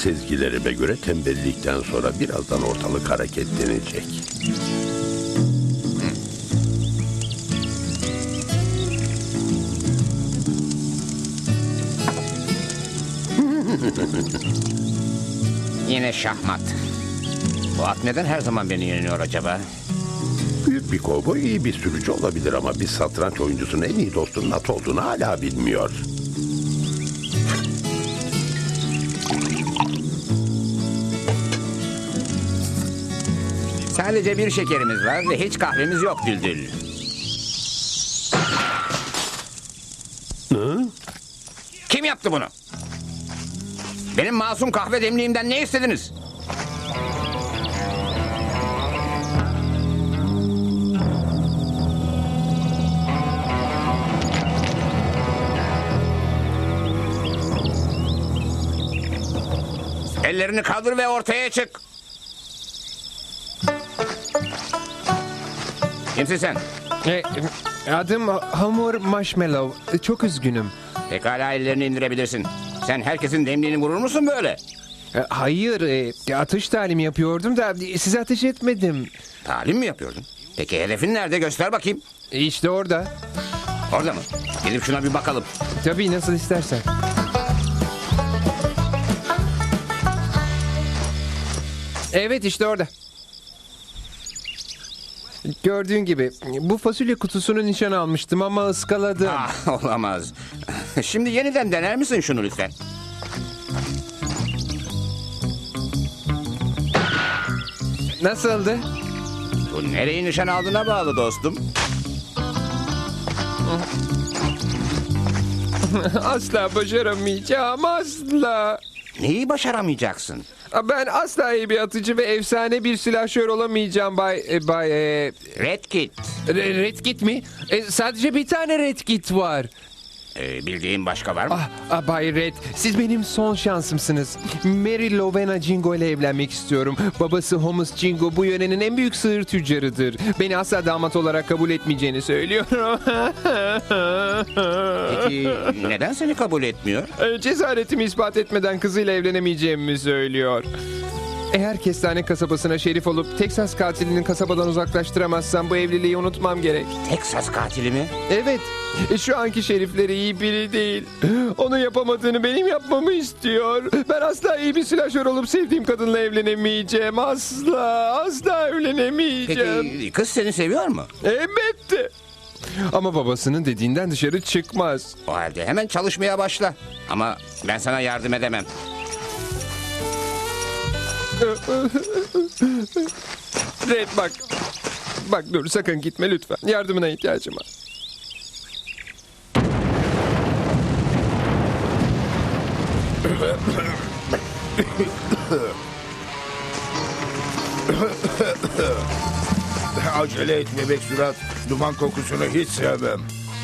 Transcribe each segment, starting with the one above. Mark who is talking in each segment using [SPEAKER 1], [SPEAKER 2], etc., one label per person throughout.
[SPEAKER 1] Sezgilerime göre tembellikten sonra birazdan ortalık hareketlenecek.
[SPEAKER 2] Yine şahmat. Bu at neden her zaman beni yeniyor acaba?
[SPEAKER 1] Büyük bir kovboy iyi bir sürücü olabilir ama bir satranç oyuncusunun en iyi dostunun at olduğunu hala bilmiyor.
[SPEAKER 2] Sadece bir şekerimiz var ve hiç kahvemiz yok Düldül.
[SPEAKER 1] Hı?
[SPEAKER 2] Kim yaptı bunu? Benim masum kahve demliğimden ne istediniz? Ellerini kaldır ve ortaya çık. Kimsin sen?
[SPEAKER 3] Adım Hamur Marshmallow. Çok üzgünüm.
[SPEAKER 2] Pekala ellerini indirebilirsin. Sen herkesin demliğini vurur musun böyle?
[SPEAKER 3] Hayır, atış talimi yapıyordum da size ateş etmedim.
[SPEAKER 2] Talim mi yapıyordun? Peki hedefin nerede? Göster bakayım.
[SPEAKER 3] İşte orada.
[SPEAKER 2] Orada mı? Gidip şuna bir bakalım.
[SPEAKER 3] Tabii nasıl istersen. Evet işte orada. Gördüğün gibi bu fasulye kutusunu nişan almıştım ama ıskaladım.
[SPEAKER 2] Ah, olamaz. Şimdi yeniden dener misin şunu lütfen?
[SPEAKER 3] Nasıldı?
[SPEAKER 2] Bu nereyi nişan aldığına bağlı dostum.
[SPEAKER 3] Asla başaramayacağım, asla.
[SPEAKER 2] Neyi başaramayacaksın?
[SPEAKER 3] Ben asla iyi bir atıcı ve efsane bir silahşör olamayacağım Bay
[SPEAKER 2] Red Kit.
[SPEAKER 3] Red Kit mi? Sadece bir tane Red Kit var.
[SPEAKER 2] Bildiğin başka var mı?
[SPEAKER 3] Bay Red, siz benim son şansımsınız. Mary Lovena Jingo ile evlenmek istiyorum. Babası Holmes Jingo bu yörenin en büyük sığır tüccarıdır. Beni asla damat olarak kabul etmeyeceğini söylüyor.
[SPEAKER 2] Peki neden seni kabul etmiyor?
[SPEAKER 3] Cesaretimi ispat etmeden kızıyla evlenemeyeceğimi söylüyor. Eğer Kestane kasabasına şerif olup Teksas katilini kasabadan uzaklaştıramazsam bu evliliği unutmam gerek.
[SPEAKER 2] Teksas katili mi?
[SPEAKER 3] Evet, şu anki şerifleri iyi biri değil. Onun yapamadığını benim yapmamı istiyor. Ben asla iyi bir silahşör olup sevdiğim kadınla evlenemeyeceğim. Asla evlenemeyeceğim.
[SPEAKER 2] Peki kız seni seviyor mu?
[SPEAKER 3] Elbette. Ama babasının dediğinden dışarı çıkmaz.
[SPEAKER 2] O halde hemen çalışmaya başla. Ama ben sana yardım edemem.
[SPEAKER 3] Red bak. Bak dur sakın gitme lütfen. Yardımına ihtiyacım var.
[SPEAKER 4] Acele et bebek surat. Duman kokusunu hiç sevmem.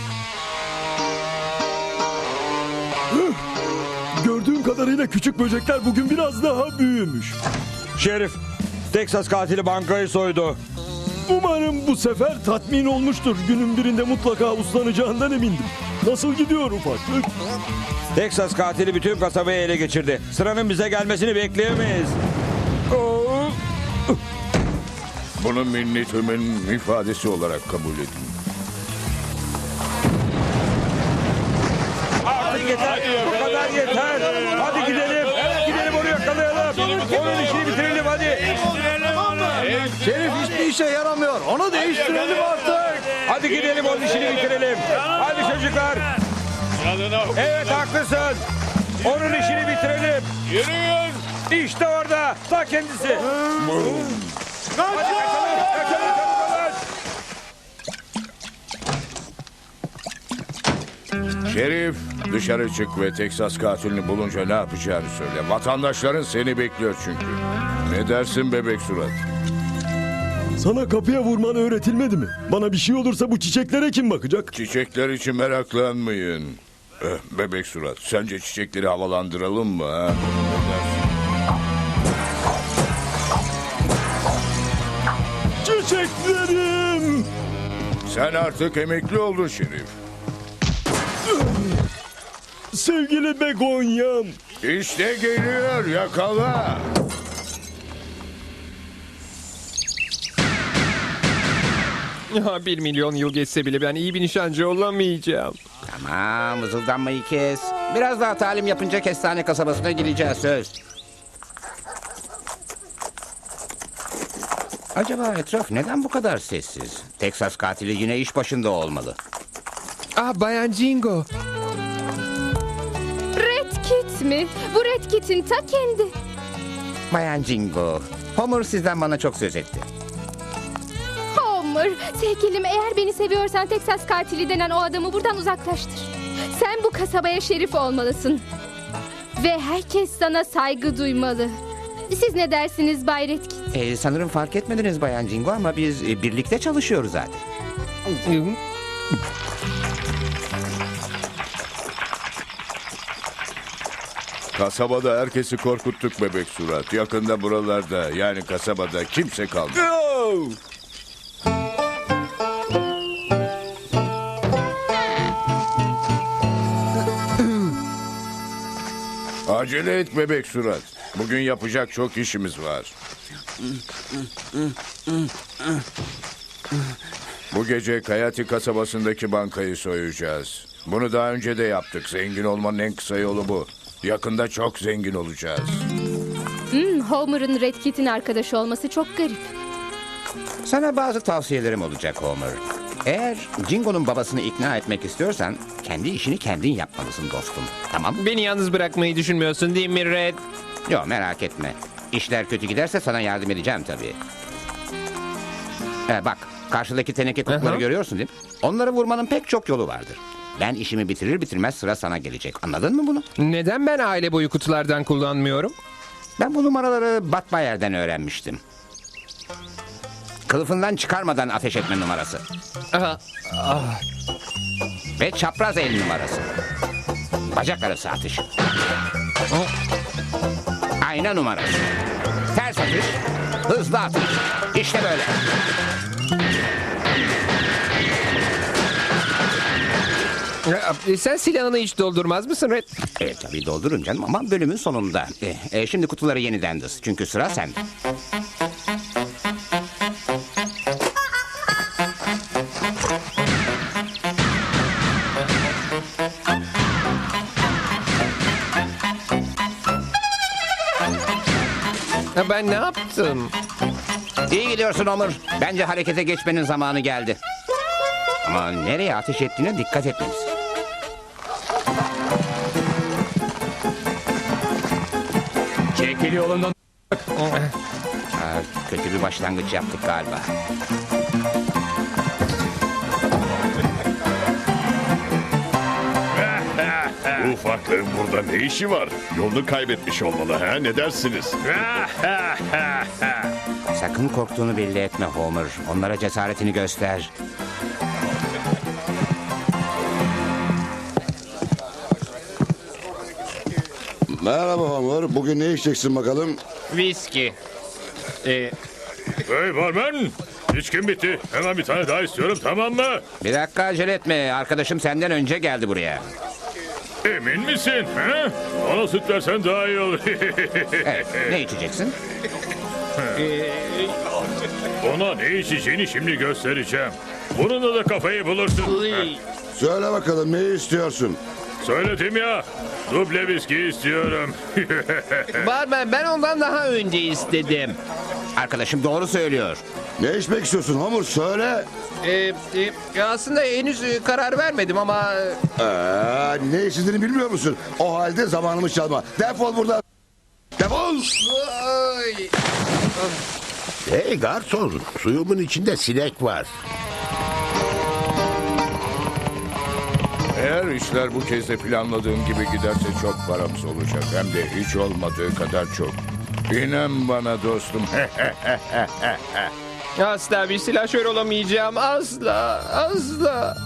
[SPEAKER 5] Gördüğüm kadarıyla küçük böcekler bugün biraz daha büyümüş.
[SPEAKER 6] Şerif, Teksas katili bankayı soydu.
[SPEAKER 5] Umarım bu sefer tatmin olmuştur. Günün birinde mutlaka uslanacağından emindim. Nasıl gidiyor ufaklık?
[SPEAKER 6] Teksas katili bütün kasabayı ele geçirdi. Sıranın bize gelmesini bekleyemeyiz.
[SPEAKER 4] Bunu minnetimin ifadesi olarak kabul edin.
[SPEAKER 6] Artık yeter, bu kadar yeter. Hadi gidelim, gidelim onu yakalayalım. Onun işini bitirelim hadi.
[SPEAKER 5] Şerif hiçbir işe yaramıyor. Onu değiştirelim artık.
[SPEAKER 6] Hadi gidelim onun işini bitirelim. Hadi çocuklar. Evet haklısın. Onun işini bitirelim. Yürüyün. İşte orada, ta kendisi. Hadi kaçalım, kaçalım çabuk olun.
[SPEAKER 4] Şerif, dışarı çık ve Teksas katilini bulunca ne yapacağını söyle. Vatandaşların seni bekliyor çünkü. Ne dersin bebek surat?
[SPEAKER 5] Sana kapıya vurman öğretilmedi mi? Bana bir şey olursa bu çiçeklere kim bakacak?
[SPEAKER 4] Çiçekler için meraklanmayın. Bebek surat, sence çiçekleri havalandıralım mı? Ha? Ne dersin?
[SPEAKER 5] Çiçeklerim!
[SPEAKER 4] Sen artık emekli oldun Şerif.
[SPEAKER 5] Sevgili begonyam,
[SPEAKER 4] İşte geliyor, yakala.
[SPEAKER 3] Ya 1 milyon yıl geçse bile ben iyi bir nişancı olamayacağım.
[SPEAKER 2] Tamam, vızıldanmayı kes. Biraz daha talim yapınca kestane kasabasına gireceğiz, söz. Acaba etraf neden bu kadar sessiz? Teksas katili yine iş başında olmalı.
[SPEAKER 3] Ah, Bayan Jingo.
[SPEAKER 7] Red Kit mi? Bu Red Kit'in ta kendi.
[SPEAKER 2] Bayan Jingo, Homer sizden bana çok söz etti.
[SPEAKER 7] Homer, sevgilim eğer beni seviyorsan Teksas katili denen o adamı buradan uzaklaştır. Sen bu kasabaya şerif olmalısın. Ve herkes sana saygı duymalı. Siz ne dersiniz Bay Red Kit?
[SPEAKER 2] Sanırım fark etmediniz Bayan Jingo ama biz birlikte çalışıyoruz zaten.
[SPEAKER 4] Kasabada herkesi korkuttuk bebek surat. Yakında buralarda, yani kasabada kimse kalmadı. Acele et bebek surat. Bugün yapacak çok işimiz var. Bu gece Kayati kasabasındaki bankayı soyacağız. Bunu daha önce de yaptık. Zengin olmanın en kısa yolu bu. Yakında çok zengin olacağız.
[SPEAKER 7] Homer'ın Red Kit'in arkadaşı olması çok garip.
[SPEAKER 2] Sana bazı tavsiyelerim olacak Homer. Eğer Jingo'nun babasını ikna etmek istiyorsan kendi işini kendin yapmalısın dostum. Tamam mı?
[SPEAKER 3] Beni yalnız bırakmayı düşünmüyorsun değil mi Red?
[SPEAKER 2] Yok merak etme. İşler kötü giderse sana yardım edeceğim tabii. Bak karşıdaki teneke kutuları
[SPEAKER 3] Aha.
[SPEAKER 2] görüyorsun değil mi? Onları vurmanın pek çok yolu vardır. Ben işimi bitirir bitirmez sıra sana gelecek. Anladın mı bunu?
[SPEAKER 3] Neden ben aile boyu kutulardan kullanmıyorum?
[SPEAKER 2] Ben bu numaraları Batbayer'den öğrenmiştim. Kılıfından çıkarmadan ateş etme numarası.
[SPEAKER 3] Aha.
[SPEAKER 2] Ve çapraz el numarası. Bacak arası atış. Ayna numarası. Ters atış. Hızlı atış. İşte böyle.
[SPEAKER 3] Sen silahını hiç doldurmaz mısın Red?
[SPEAKER 2] Tabii doldurun canım ama bölümün sonunda. Şimdi kutuları yeniden dız. Çünkü sıra sende.
[SPEAKER 3] Ben ne yaptım?
[SPEAKER 2] İyi gidiyorsun Homer. Bence harekete geçmenin zamanı geldi. Ama nereye ateş ettiğine dikkat etmelisin.
[SPEAKER 6] Çekil yolundan.
[SPEAKER 2] Kötü bir başlangıç yaptık galiba.
[SPEAKER 8] Bu ufaklığın burada ne işi var? Yolunu kaybetmiş olmalı ha? Ne dersiniz?
[SPEAKER 2] Sakın korktuğunu belli etme Homer. Onlara cesaretini göster.
[SPEAKER 9] Merhaba Homer. Bugün ne içeceksin bakalım?
[SPEAKER 3] Viski.
[SPEAKER 8] Hey barmen! İçkim bitti. Hemen bir tane daha istiyorum, tamam mı?
[SPEAKER 2] Bir dakika acele etme. Arkadaşım senden önce geldi buraya.
[SPEAKER 8] Emin misin? He? Ona süt versen daha iyi olur.
[SPEAKER 2] Evet, ne içeceksin?
[SPEAKER 8] Ona ne içeceğini şimdi göstereceğim. Bununla da kafayı bulursun.
[SPEAKER 9] Söyle bakalım ne istiyorsun?
[SPEAKER 8] Söyledim ya. Duble viski istiyorum.
[SPEAKER 3] Barmen ben ondan daha önce istedim.
[SPEAKER 2] Arkadaşım doğru söylüyor.
[SPEAKER 9] Ne içmek istiyorsun Homer? Söyle.
[SPEAKER 3] Aslında henüz karar vermedim ama...
[SPEAKER 9] Ne istediğini bilmiyor musun? O halde zamanımı çalma. Defol buradan. Defol.
[SPEAKER 1] Hey garson, suyumun içinde sinek var.
[SPEAKER 4] Eğer işler bu kez de planladığım gibi giderse çok paramız olacak. Hem de hiç olmadığı kadar çok. İnan bana dostum.
[SPEAKER 3] Asla bir silahşör olamayacağım. Asla. Asla.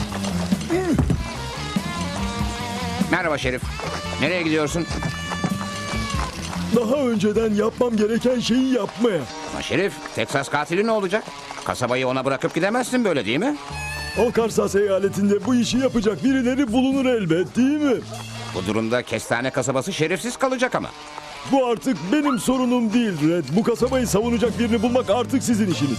[SPEAKER 2] Merhaba Şerif. Nereye gidiyorsun?
[SPEAKER 5] daha önceden yapmam gereken şeyi yapmaya.
[SPEAKER 2] Ama Şerif, Teksas katili ne olacak? Kasabayı ona bırakıp gidemezsin böyle değil mi?
[SPEAKER 5] Arkansas eyaletinde bu işi yapacak birileri bulunur elbet, değil mi?
[SPEAKER 2] Bu durumda Kestane kasabası şerefsiz kalacak ama.
[SPEAKER 5] Bu artık benim sorunum değil Red. Bu kasabayı savunacak birini bulmak artık sizin işiniz.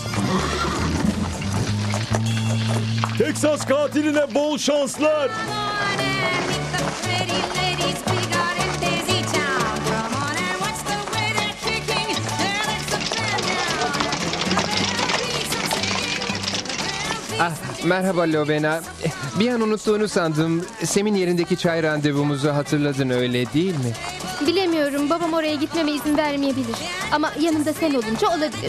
[SPEAKER 5] Teksas katiline bol şanslar.
[SPEAKER 3] Merhaba Lovena. Bir an unuttuğunu sandım. Sem'in yerindeki çay randevumuzu hatırladın öyle değil mi?
[SPEAKER 7] Bilemiyorum, babam oraya gitmeme izin vermeyebilir. Ama yanımda sen olunca olabilir.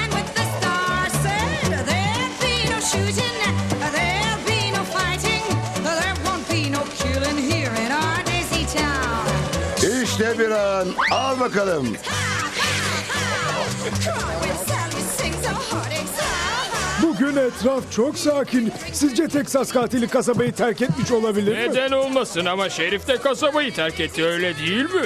[SPEAKER 9] İşte bir an. Al bakalım.
[SPEAKER 5] Bugün etraf çok sakin. Sizce Teksas katili kasabayı terk etmiş olabilir mi?
[SPEAKER 6] Neden olmasın ama Şerif de kasabayı terk etti öyle değil mi?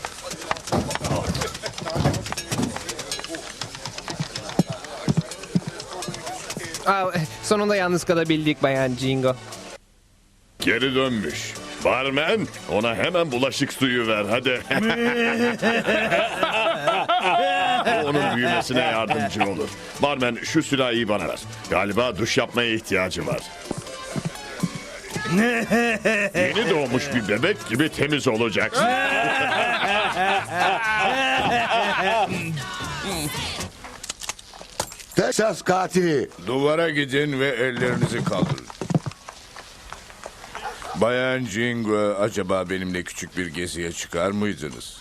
[SPEAKER 3] Sonunda yalnız kalabildik Bayan Jingo.
[SPEAKER 8] Geri dönmüş. Barmen, ona hemen bulaşık suyu ver hadi. O onun büyümesine yardımcı olur. Barmen, şu sürahiyi bana ver. Galiba duş yapmaya ihtiyacı var. Yeni doğmuş bir bebek gibi temiz olacaksın.
[SPEAKER 9] Teksas katili.
[SPEAKER 4] Duvara gidin ve ellerinizi kaldırın. Bayan Jingo, acaba benimle küçük bir geziye çıkar mıydınız?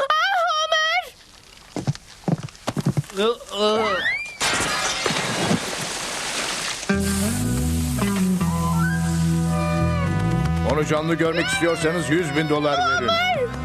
[SPEAKER 4] Onu canlı görmek istiyorsanız $100.000 verin.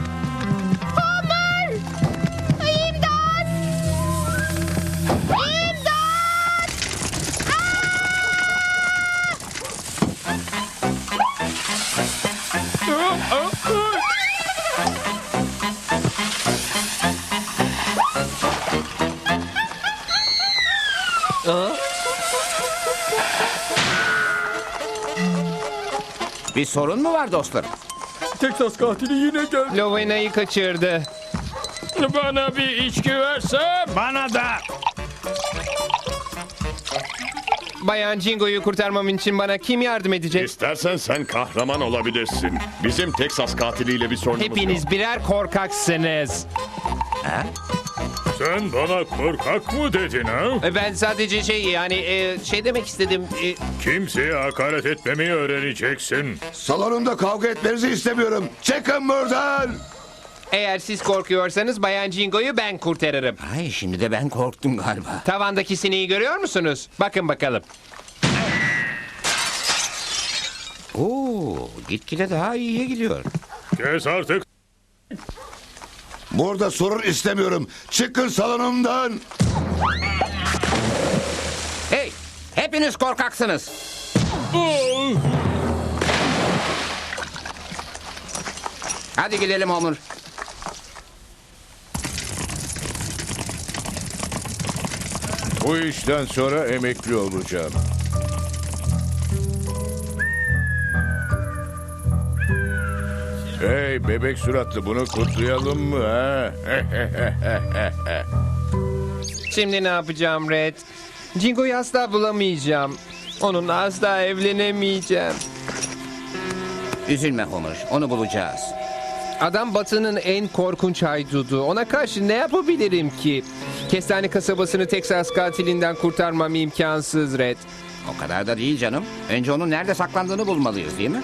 [SPEAKER 2] Bir sorun mu var dostlarım?
[SPEAKER 6] Teksas katili yine geldi.
[SPEAKER 3] Lovena'yı kaçırdı.
[SPEAKER 6] Bana bir içki verse. Bana da.
[SPEAKER 3] Bayan Jingo'yu kurtarmam için bana kim yardım edecek?
[SPEAKER 8] İstersen sen kahraman olabilirsin. Bizim Teksas katiliyle bir sorunumuz yok.
[SPEAKER 3] Hepiniz birer korkaksınız.
[SPEAKER 8] Sen bana korkak mı dedin ha?
[SPEAKER 3] Ben sadece şey demek istedim.
[SPEAKER 8] Kimseye hakaret etmemeyi öğreneceksin.
[SPEAKER 9] Salonumda kavga etmenizi istemiyorum. Çıkın buradan.
[SPEAKER 3] Eğer siz korkuyorsanız Bayan Jingo'yu ben kurtarırım.
[SPEAKER 2] Ay, şimdi de ben korktum galiba.
[SPEAKER 3] Tavandaki sineği görüyor musunuz? Bakın bakalım.
[SPEAKER 2] Oo, gitgide daha iyiye gidiyor.
[SPEAKER 8] Kes artık.
[SPEAKER 9] Burada sorun istemiyorum. Çıkın salonumdan.
[SPEAKER 2] Hey, hepiniz korkaksınız. Hadi gidelim Homer.
[SPEAKER 4] Bu işten sonra emekli olacağım. Hey bebek suratlı, bunu kutlayalım mı ha?
[SPEAKER 3] Şimdi ne yapacağım Red? Jingo'yu asla bulamayacağım. Onunla asla evlenemeyeceğim.
[SPEAKER 2] Üzülme Homer, onu bulacağız.
[SPEAKER 3] Adam Batı'nın en korkunç haydudu. Ona karşı ne yapabilirim ki? Kestane kasabasını Teksas katilinden kurtarmam imkansız Red.
[SPEAKER 2] O kadar da değil canım. Önce onun nerede saklandığını bulmalıyız değil mi?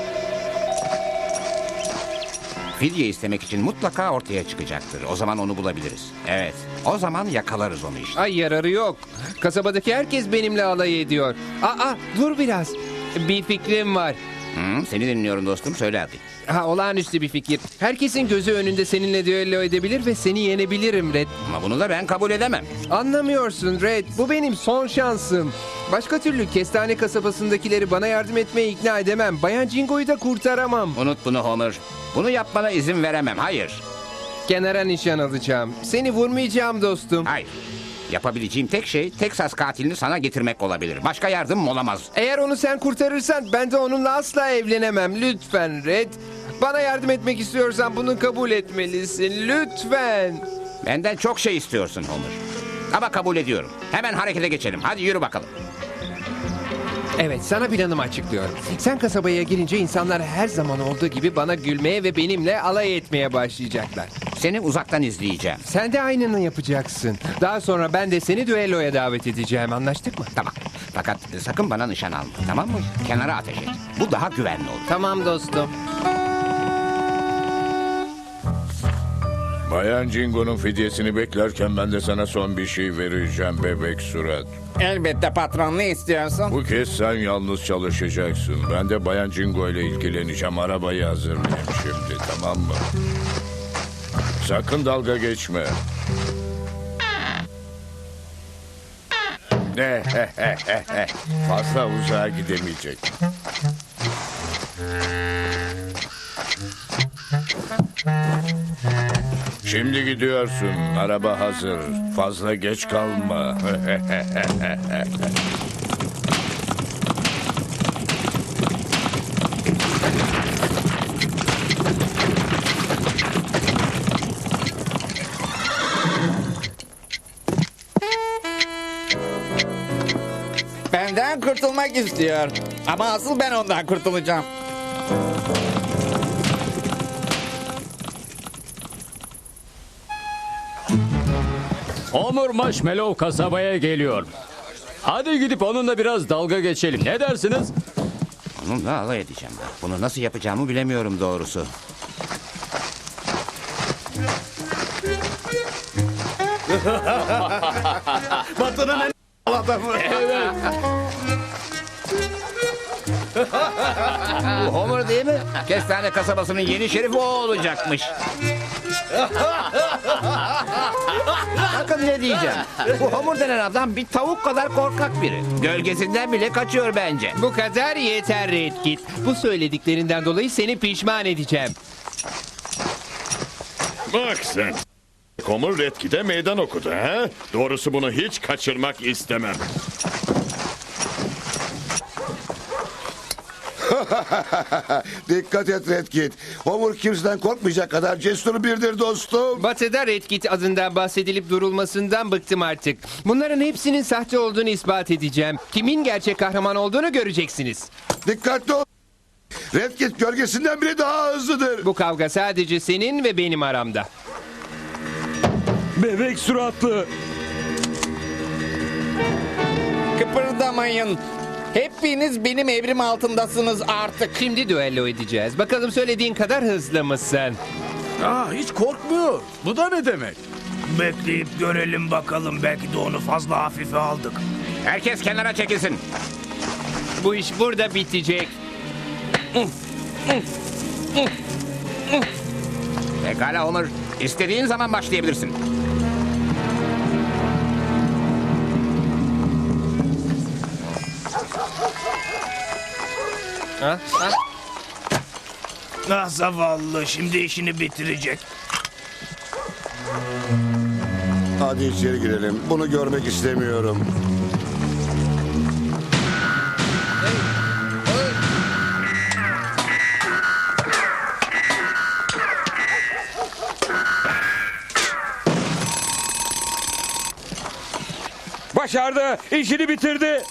[SPEAKER 2] Fidye istemek için mutlaka ortaya çıkacaktır. O zaman onu bulabiliriz. Evet, o zaman yakalarız onu işte.
[SPEAKER 3] Ay yararı yok. Kasabadaki herkes benimle alay ediyor. Dur biraz. Bir fikrim var.
[SPEAKER 2] Seni dinliyorum dostum, söyle hadi.
[SPEAKER 3] Olağanüstü bir fikir. Herkesin gözü önünde seninle düello edebilir ve seni yenebilirim Red.
[SPEAKER 2] Ama bunu da ben kabul edemem.
[SPEAKER 3] Anlamıyorsun Red. Bu benim son şansım. Başka türlü Kestane kasabasındakileri bana yardım etmeye ikna edemem. Bayan Jingo'yu da kurtaramam.
[SPEAKER 2] Unut bunu Homer. Bunu yapmana izin veremem, hayır.
[SPEAKER 3] Kenara nişan alacağım. Seni vurmayacağım dostum.
[SPEAKER 2] Hayır. Yapabileceğim tek şey Teksas katilini sana getirmek olabilir. Başka yardım olamaz.
[SPEAKER 3] Eğer onu sen kurtarırsan ben de onunla asla evlenemem. Lütfen Red. Bana yardım etmek istiyorsan bunu kabul etmelisin. Lütfen.
[SPEAKER 2] Benden çok şey istiyorsun Homer. Ama kabul ediyorum. Hemen harekete geçelim. Hadi yürü bakalım.
[SPEAKER 3] Evet, sana planımı açıklıyorum. Sen kasabaya girince insanlar her zaman olduğu gibi bana gülmeye ve benimle alay etmeye başlayacaklar.
[SPEAKER 2] Seni uzaktan izleyeceğim.
[SPEAKER 3] Sen de aynını yapacaksın. Daha sonra ben de seni düelloya davet edeceğim. Anlaştık mı?
[SPEAKER 2] Tamam. Fakat sakın bana nişan alma. Tamam mı? Kenara ateş et. Bu daha güvenli olur.
[SPEAKER 3] Tamam dostum.
[SPEAKER 4] Bayan Jingo'nun fidyesini beklerken ben de sana son bir şey vereceğim bebek surat.
[SPEAKER 10] Elbette patron, ne istiyorsun?
[SPEAKER 4] Bu kez sen yalnız çalışacaksın. Ben de Bayan Jingo ile ilgileneceğim. Arabayı hazırlayayım şimdi, tamam mı? Sakın dalga geçme. Ne? Fazla uzağa gidemeyecek. Şimdi gidiyorsun. Araba hazır. Fazla geç kalma.
[SPEAKER 10] Benden kurtulmak istiyor. Ama asıl ben ondan kurtulacağım.
[SPEAKER 5] Homer Marshmallow kasabaya geliyor. Hadi gidip onunla biraz dalga geçelim. Ne dersiniz?
[SPEAKER 2] Onunla alay edeceğim ben. Bunu nasıl yapacağımı bilemiyorum doğrusu.
[SPEAKER 8] Batının en adamı.
[SPEAKER 2] Bu Homer değil mi? Kestane kasabasının yeni şerifi o olacakmış. Bakın ne diyeceğim. Bu Homer denen adam bir tavuk kadar korkak biri. Gölgesinden bile kaçıyor bence.
[SPEAKER 3] Bu kadar yeter Red Kit. Bu söylediklerinden dolayı seni pişman edeceğim.
[SPEAKER 8] Bak sen. Homer Redkit'e meydan okudu ha? Doğrusu bunu hiç kaçırmak istemem.
[SPEAKER 9] Dikkat et Red Kit. Homer kimseden korkmayacak kadar cesur biridir dostum.
[SPEAKER 3] Batı'da Red Kit adından bahsedilip durulmasından bıktım artık. Bunların hepsinin sahte olduğunu ispat edeceğim. Kimin gerçek kahraman olduğunu göreceksiniz.
[SPEAKER 9] Dikkatli ol. Red Kit gölgesinden bile daha hızlıdır.
[SPEAKER 3] Bu kavga sadece senin ve benim aramda.
[SPEAKER 5] Bebek suratlı.
[SPEAKER 10] Kıpırdamayın. Hepiniz benim emrim altındasınız artık.
[SPEAKER 3] Şimdi düello edeceğiz. Bakalım söylediğin kadar hızlı mısın?
[SPEAKER 6] Hiç korkmuyor. Bu da ne demek?
[SPEAKER 11] Bekleyip görelim bakalım. Belki de onu fazla hafife aldık.
[SPEAKER 2] Herkes kenara çekilsin.
[SPEAKER 3] Bu iş burada bitecek.
[SPEAKER 2] Pekala Homer. İstediğin zaman başlayabilirsin.
[SPEAKER 3] Ha? Ha?
[SPEAKER 11] Ah zavallı, şimdi işini bitirecek.
[SPEAKER 9] Hadi içeri girelim. Bunu görmek istemiyorum.
[SPEAKER 6] Başardı. İşini bitirdi.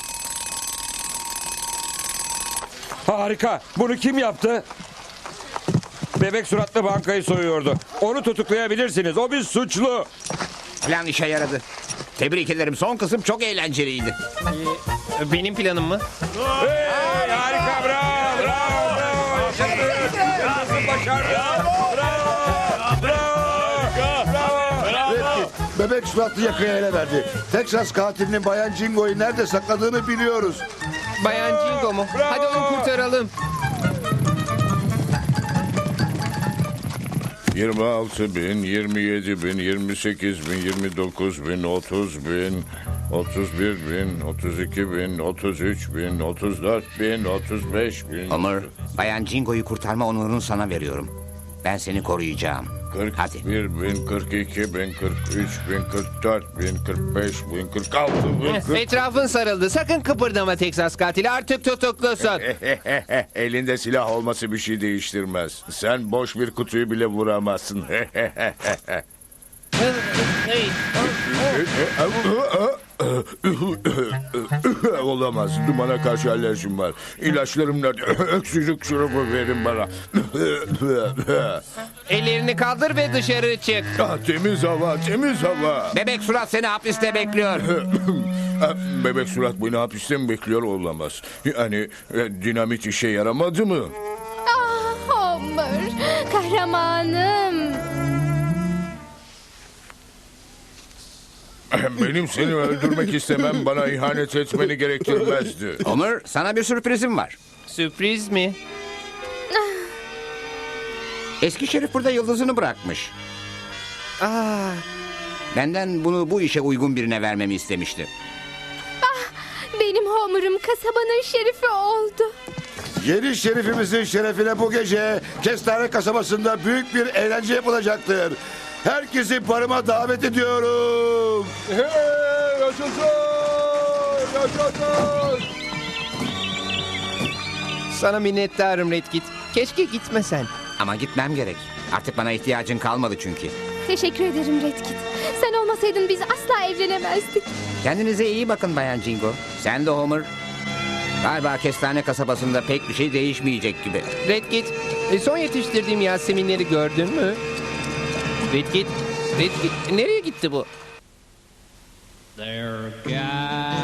[SPEAKER 6] Harika. Bunu kim yaptı? Bebek suratlı bankayı soyuyordu. Onu tutuklayabilirsiniz. O bir suçlu.
[SPEAKER 2] Plan işe yaradı. Tebrik ederim. Son kısım çok eğlenceliydi.
[SPEAKER 3] Benim planım mı?
[SPEAKER 6] Hey, harika. Bravo. Bravo. Bravo. Başardı. Başardı. Bravo. Bravo.
[SPEAKER 9] Red Kit bebek suratlı yakaya ele verdi. Texas katilinin Bayan Jingo'yu nerede sakladığını biliyoruz.
[SPEAKER 3] Bayan Jingo mu? Hadi onu kurtaralım.
[SPEAKER 4] 26 bin, 27 bin, 28 bin, 29 bin, 30 bin, 31 bin, 32 bin, 33 bin, 34 bin, 35 bin.
[SPEAKER 2] Homer, Bayan Jingo'yu kurtarma onurunu sana veriyorum. Ben seni koruyacağım. Hadi.
[SPEAKER 4] 41 bin, 42 bin, 43 bin, 44 bin, 45 bin, 46 bin, 40...
[SPEAKER 3] Etrafın sarıldı. Sakın kıpırdama Teksas katili. Artık tutuklusun.
[SPEAKER 4] Elinde silah olması bir şey değiştirmez. Sen boş bir kutuyu bile vuramazsın. Olamaz. Dumana karşı alerjim var. İlaçlarım nerede? Öksürük şurubu verin bana.
[SPEAKER 3] Ellerini kaldır ve dışarı çık.
[SPEAKER 4] Ah, temiz hava, temiz hava.
[SPEAKER 2] Bebek surat seni hapiste bekliyor.
[SPEAKER 4] Bebek surat beni hapiste mi bekliyor? Olamaz. Yani dinamit işe yaramadı mı?
[SPEAKER 7] Ah Homer, kahramanım.
[SPEAKER 4] Benim seni öldürmek istemem bana ihanet etmeni gerektirmezdi.
[SPEAKER 2] Homer, sana bir sürprizim var.
[SPEAKER 3] Sürpriz mi?
[SPEAKER 2] Eski şerif burada yıldızını bırakmış.
[SPEAKER 3] Aa,
[SPEAKER 2] Benden bunu bu işe uygun birine vermemi istemişti.
[SPEAKER 7] Benim Homer'ım kasabanın şerifi oldu.
[SPEAKER 9] Yeni şerifimizin şerefine bu gece Kestane kasabasında büyük bir eğlence yapılacaktır. Herkesi barıma davet ediyorum.
[SPEAKER 3] sana minnettarım Redkit. Keşke gitmesen.
[SPEAKER 2] Ama gitmem gerek. Artık bana ihtiyacın kalmadı çünkü.
[SPEAKER 7] Teşekkür ederim Redkit. Sen olmasaydın biz asla evlenemezdik.
[SPEAKER 2] Kendinize iyi bakın Bayan Jingo. Sen de Homer. Galiba Kestane kasabasında pek bir şey değişmeyecek gibi.
[SPEAKER 3] Redkit, son yetiştirdiğim Yaseminleri gördün mü? Redkit, nereye gitti bu?
[SPEAKER 5] There are guys